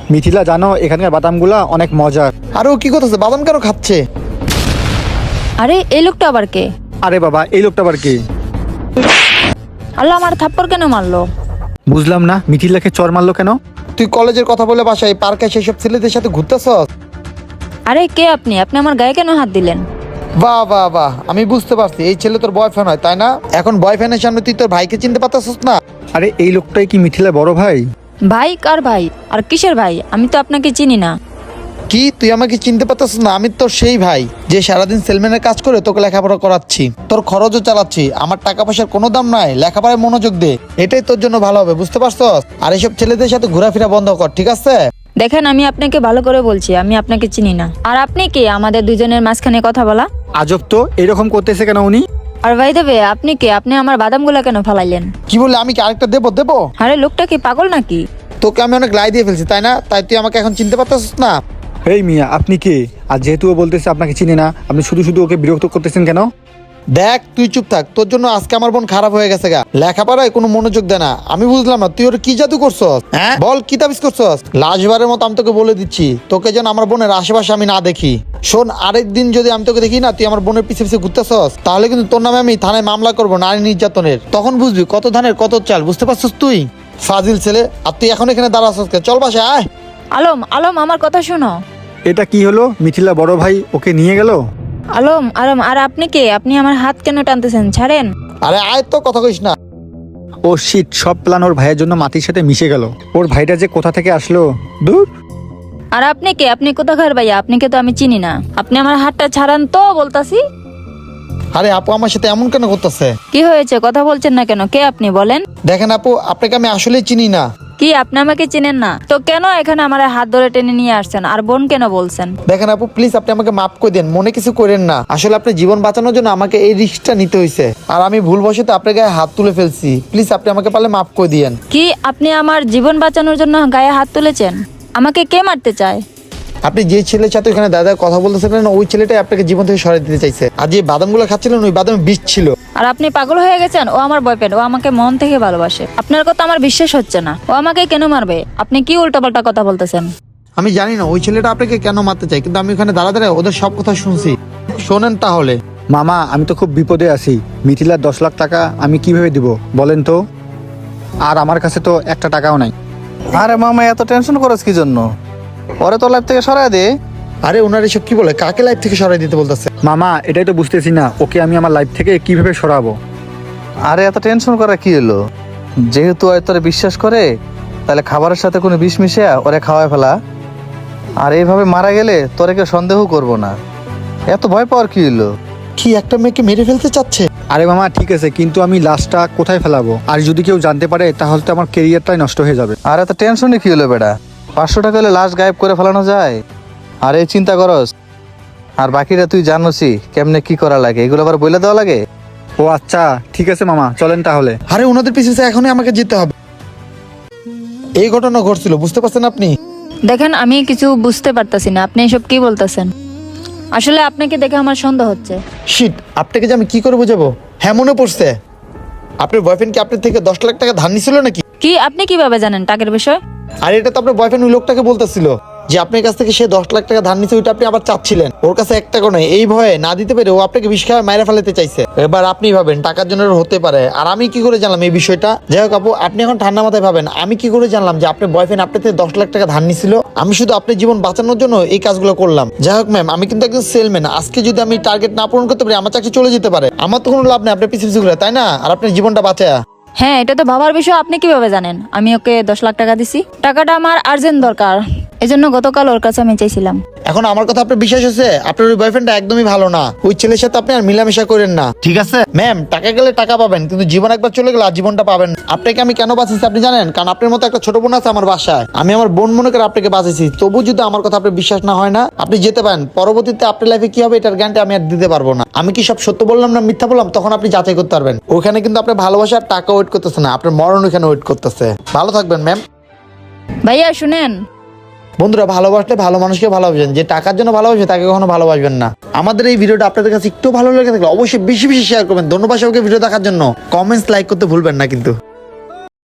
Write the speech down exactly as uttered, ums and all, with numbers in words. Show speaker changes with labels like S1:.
S1: মিথিলা জানো এখানকার বাদামগুলা অনেক মজার।
S2: আরে ও কি করতেছে? বাদাম কেন খাচ্ছে?
S3: আরে এই লোকটা আবার কে?
S1: আরে বাবা এই লোকটা আবার কি?
S3: আল্লাহ, আমার থাপ্পড় কেন মারলো?
S1: বুঝলাম না মিথিলাকে চর মারলো কেন?
S2: তুই কলেজের কথা বলে বাসায় পার্কে সেসব ছেলেদের সাথে ঘুরতেছস?
S3: আরে কে আপনি? আপনি আমার গায়ে কেন হাত দিলেন?
S2: বাহ বাহ বাহ, আমি বুঝতে পারছি এই ছেলে তোর বয়ফ্রেন্ড হয়, তাই না? এখন বয়ফ্রেন্ডের সামনে তুই তোর ভাইকে চিনতে পারতেছস না?
S1: আরে এই লোকটাই কি মিথিলা বড় ভাই?
S3: ভাই? কার ভাই? আর কিসের ভাই? আমি তো আপনাকে চিনি না।
S2: কি তুই আমাকে চিনতে পারতেছস না? আমি তোর সেই ভাই যে সারাদিন সেলম্যানের কাজ করে তোকে লেখাপড়া করাচ্ছি, তোর খরচও চালাচ্ছি। আমার টাকা পয়সার কোনো দাম নাই, লেখাপড়ায় মনোযোগ দে, এটাই তোর জন্য ভালো হবে, বুঝতে পারছস? আর এইসব ছেলেদের সাথে ঘোরাফেরা বন্ধ কর, ঠিক আছে?
S3: দেখেন, আমি আপনাকে ভালো করে বলছি, আমি আপনাকে চিনি না। আর আপনি কি আমাদের দুজনের মাঝখানে কথা বলা?
S1: আজব তো, এরকম করতেছে কেন উনি?
S3: আর ভাই দেবে, আপনি কি? আপনি আমার বাদামগুলা কেন ফালাইলেন?
S2: কি বলে? আমি কি আরেকটা দেবো দেবো?
S3: আরে লোকটা কি পাগল নাকি?
S2: তোকে আমি অনেক লাই দিয়ে ফেলছি, তাই না? তাই তুই আমাকে এখন চিনতে পারতেছস না?
S1: এই মিয়া আপনি কে? আর যেহেতু ও বলতেছে আপনাকে চিনি না, আপনি শুধু শুধু ওকে বিরক্ত করতেছেন কেন?
S2: দেখ তুই চুপ থাক, তোর জন্য আজকে আমার বোন খারাপ হয়ে গেছে গা, লেখাপড়ায় কোনো মনোযোগ দেয় না। আমি বুঝলাম না তুই ওর কি জাদু করছস, হ্যাঁ বল কি তাবিজ করছস? লাশবারের মতো আমি তোকে বলে দিচ্ছি, তোকে যেন আমার বোনের আশেপাশে আমি না দেখি। শোন, আরেকদিন যদি আমি তোকে দেখি না তুই আমার বোনের পিছে পিছে ঘুরতেছস, তাহলে কিন্তু তোর নামে আমি থানায় মামলা করবো নারী নির্যাতনের। তখন বুঝবি কত ধানের কত চাল, বুঝতে পারছস তুই? ফাজিল ছেলে, আর তুই এখন এখানে দাঁড়াছস কে? চল বাসায় আয়।
S3: আলম, আলম, আমার কথা শোনো।
S1: এটা কি হলো? মিথিলা বড় ভাই ওকে নিয়ে গেল?
S3: আলম, আলম, আর আপনি কে? আপনি আমার হাত কেন টানতেছেন? ছাড়েন।
S2: আরে আয়, তো কথা কইস না।
S1: ও শিট, সব প্ল্যান ওর ভাইয়ের জন্য মাটির সাথে মিশে গেল। ওর ভাইটা যে কোথা থেকে আসলো, দূর।
S3: আর আপনি কে? আপনি কোথাকার ভাইয়া? আপনাকে তো আমি চিনি না। আপনি আমার হাতটা ছাড়ান তো, বলতাছি।
S2: আরে আপু আমার সাথে এমন কেন করতেছে?
S3: কি হয়েছে? কথা বলছেন না কেন? কে আপনি বলেন?
S2: দেখেন আপু, আপনাকে আমি আসলেই চিনি না।
S3: কি আপনি আমাকে চিনেন না? তো কেন এখানে আমার হাত ধরে টেনে নিয়ে আসছেন? আর বোন কেন বলছেন?
S2: দেখেন আপু, প্লিজ আপনি আমাকে মাফ করে দেন, মনে কিছু করেন না। আসলে আপনি জীবন বাঁচানোর জন্য আমাকে এই রিস্কটা নিতে হয়েছে, আর আমি ভুলবশত আপনার গায়ে হাত তুলে ফেলছি। প্লিজ আপনি আমাকে পারলে মাফ করে দিয়েন।
S3: কি আপনি আমার জীবন বাঁচানোর জন্য গায়ে হাত তুলেছেন? আমাকে কে মারতে চায়?
S2: আপনি যে ছেলের সাথে ওখানে দাদা কথা বলতেছিলেন ওই ছেলেটাই আপনাকে জীবন থেকে সরিয়ে দিতে চাইছে। আর যে বাদামগুলো খাচ্ছিলেন ওই বাদামে বিষ ছিল।
S3: আর আপনি পাগল হয়ে গেছেন? ও আমার বয়ফ্রেন্ড, ও আমাকে মন থেকে ভালোবাসে। আপনার কথা আমার বিশ্বাস হচ্ছে না। ও আমাকে কেন মারবে? আপনি কি উল্টাপাল্টা কথা বলতেছেন?
S2: আমি জানি না ওই ছেলেটা আপনাকে কেন মারতে চাই, কিন্তু আমি ওখানে দাঁড়া দাঁড়ায় ওদের সব কথা শুনছি। শোনেন তাহলে।
S1: মামা আমি তো খুব বিপদে আছি। মিথিলার দশ লাখ টাকা আমি কিভাবে দিব বলেন তো? আর আমার কাছে তো একটা টাকাও নাই।
S4: আরে মামা এত টেনশন করছ কি জন্য? ওরে তো লাইফ থেকে সরায় দে।
S2: আরে ওনার এসব কি বলে? কাকে লাইফ থেকে সরাই দিতে বলতেছে?
S1: মামা এটাই তো বুঝতেছি না, ওকে আমি আমার লাইফ থেকে কিভাবে সরাবো।
S4: আরে এত টেনশন করা কি হলো? যেহেতু ওই তোরে বিশ্বাস করে, তাহলে খাবারের সাথে কোনো বিষ মিশিয়ে ওরে খাওয়ায় ফেলা। আর এইভাবে মারা গেলে তোরে কেউ সন্দেহ করবো না। এত ভয় পাওয়ার কি হলো?
S2: কি একটা মেয়েকে মেরে ফেলতে চাচ্ছে?
S1: আরে মামা ঠিক আছে, কিন্তু আমি লাশটা কোথায় ফেলাবো? আর যদি কেউ জানতে পারে তাহলে তো আমার কেরিয়ারটাই নষ্ট হয়ে যাবে।
S4: আর এত টেনশনে কি হলো বেটা? পাঁচশো টাকা হলে লাশ গায়েব করে ফেলানো যায়। আর এই চিন্তা করস? আর বাকিটা তুই জানোসই কেমনে কি করা লাগে, এগুলো আবার বলে দেওয়া লাগে।
S1: ও আচ্ছা ঠিক আছে মামা, চলেন তাহলে।
S2: আরে ওনাদের পিছনে এখনই আমাকে যেতে হবে। এই ঘটনা ঘটছিল, বুঝতে পারছেন আপনি?
S3: দেখেন, আমি কিছু বুঝতে পারতাছি না। আপনি এসব কি বলতেছেন? আসলে আপনাকে দেখে আমার সন্দেহ হচ্ছে।
S2: শিট, আপনাকে যে আমি কি করে বোঝাবো? হ্যাঁ মনে পড়ছে, আপনার বয়ফ্রেন্ড কি আপনার থেকে দশ লাখ টাকা ধার নিছিল নাকি?
S3: কি আপনি কিভাবে জানেন টাকার বিষয়?
S2: আর এটা তো আপনার বয়ফ্রেন্ড ওই লোকটাকে বলতেছিল যে আপনার কাছ থেকে সে দশ লাখ টাকা ধার নিছে, ওইটা আপনি আবার চাচ্ছিলেন। ওর কাছে এক টাকা নয়, এই ভয়ে না দিতে পেরে ও আপনাকে বিষ খাওয়া মাইরা ফেলাতে চাইছে। এবার আপনি ভাবেন টাকার জন্য ওর হতে পারে, আর আমি কি করে জানলাম এই বিষয়টা? যাই হোক আপু, আপনি এখন ঠান্ডা মাথায় ভাবেন, আমি কি করে জানলাম যে আপনার বয়ফ্রেন্ড আপনার থেকে দশ লাখ টাকা ধার নিছিল? আমি শুধু আপনার জীবন বাঁচানোর জন্য এই কাজগুলো করলাম। যাই হোক ম্যাম, আমি কিন্তু একজন সেলম্যান। আজকে যদি আমি টার্গেট না পূরণ করতে পারি আমার চাকরি চলে যেতে পারে। আমার তো কোনো লাভ নেই আপনার পিছিয়ে পিছিয়ে ঘুরে, তাই না? আর আপনার জীবনটা বাঁচায়া।
S3: হ্যাঁ, এটা তো ভাবার বিষয়। আপনি কিভাবে জানেন আমি ওকে দশ লাখ টাকা দিছি? টাকাটা আমার আর্জেন্ট দরকার, এজন্য গতকাল ওর কাছে আমি চাইছিলাম।
S2: এখন আমার কথা আপনার বিশ্বাস আছে? আপনার ওই বয়ফ্রেন্ডটা একদমই ভালো না। ওই ছেলের সাথে আপনি আর মিলামেশা করেন না, ঠিক আছে ম্যাম? টাকা গেলে টাকা পাবেন, কিন্তু জীবন একবার চলে গেলে আর জীবনটা পাবেন না। আপনাকে আমি কেন বাঁচিয়েছি আপনি জানেন? কারণ আপনার মতো একটা ছোট বোন আছে আমার বাসায়। আমি আমার বোন মনে করে আপনাকে বাঁচিয়েছি। তবু যদি আমার কথা আপনার বিশ্বাস না হয় না, আপনি যেতে পারেন। পরবর্তীতে আপনার লাইফে কি হবে এটার গ্যারান্টি আমি আর দিতে পারবো না। আমি কি সব সত্য বললাম না মিথ্যা বললাম তখন আপনি যাচাই করতে পারবেন। ওখানে কিন্তু আপনার ভালোবাসার টাকা ওয়েট করতেছে না, আপনার মরণ ওখানে ওয়েট করতেছে। ভালো থাকবেন ম্যাম।
S3: ভাইয়া শুনেন,
S2: বন্ধুরা, ভালোবাসলে ভালো মানুষকে ভালোবাসবেন, যে টাকার জন্য ভালোবাসে তাকে কখনো ভালোবাসবেন না। আমাদের এই ভিডিওটা আপনাদের কাছে একটু ভালো লেগে থাকলে অবশ্যই বেশি বেশি শেয়ার করবেন। ধন্যবাদ সবাইকে ভিডিও দেখার জন্য। কমেন্টস লাইক করতে ভুলবেন না কিন্তু।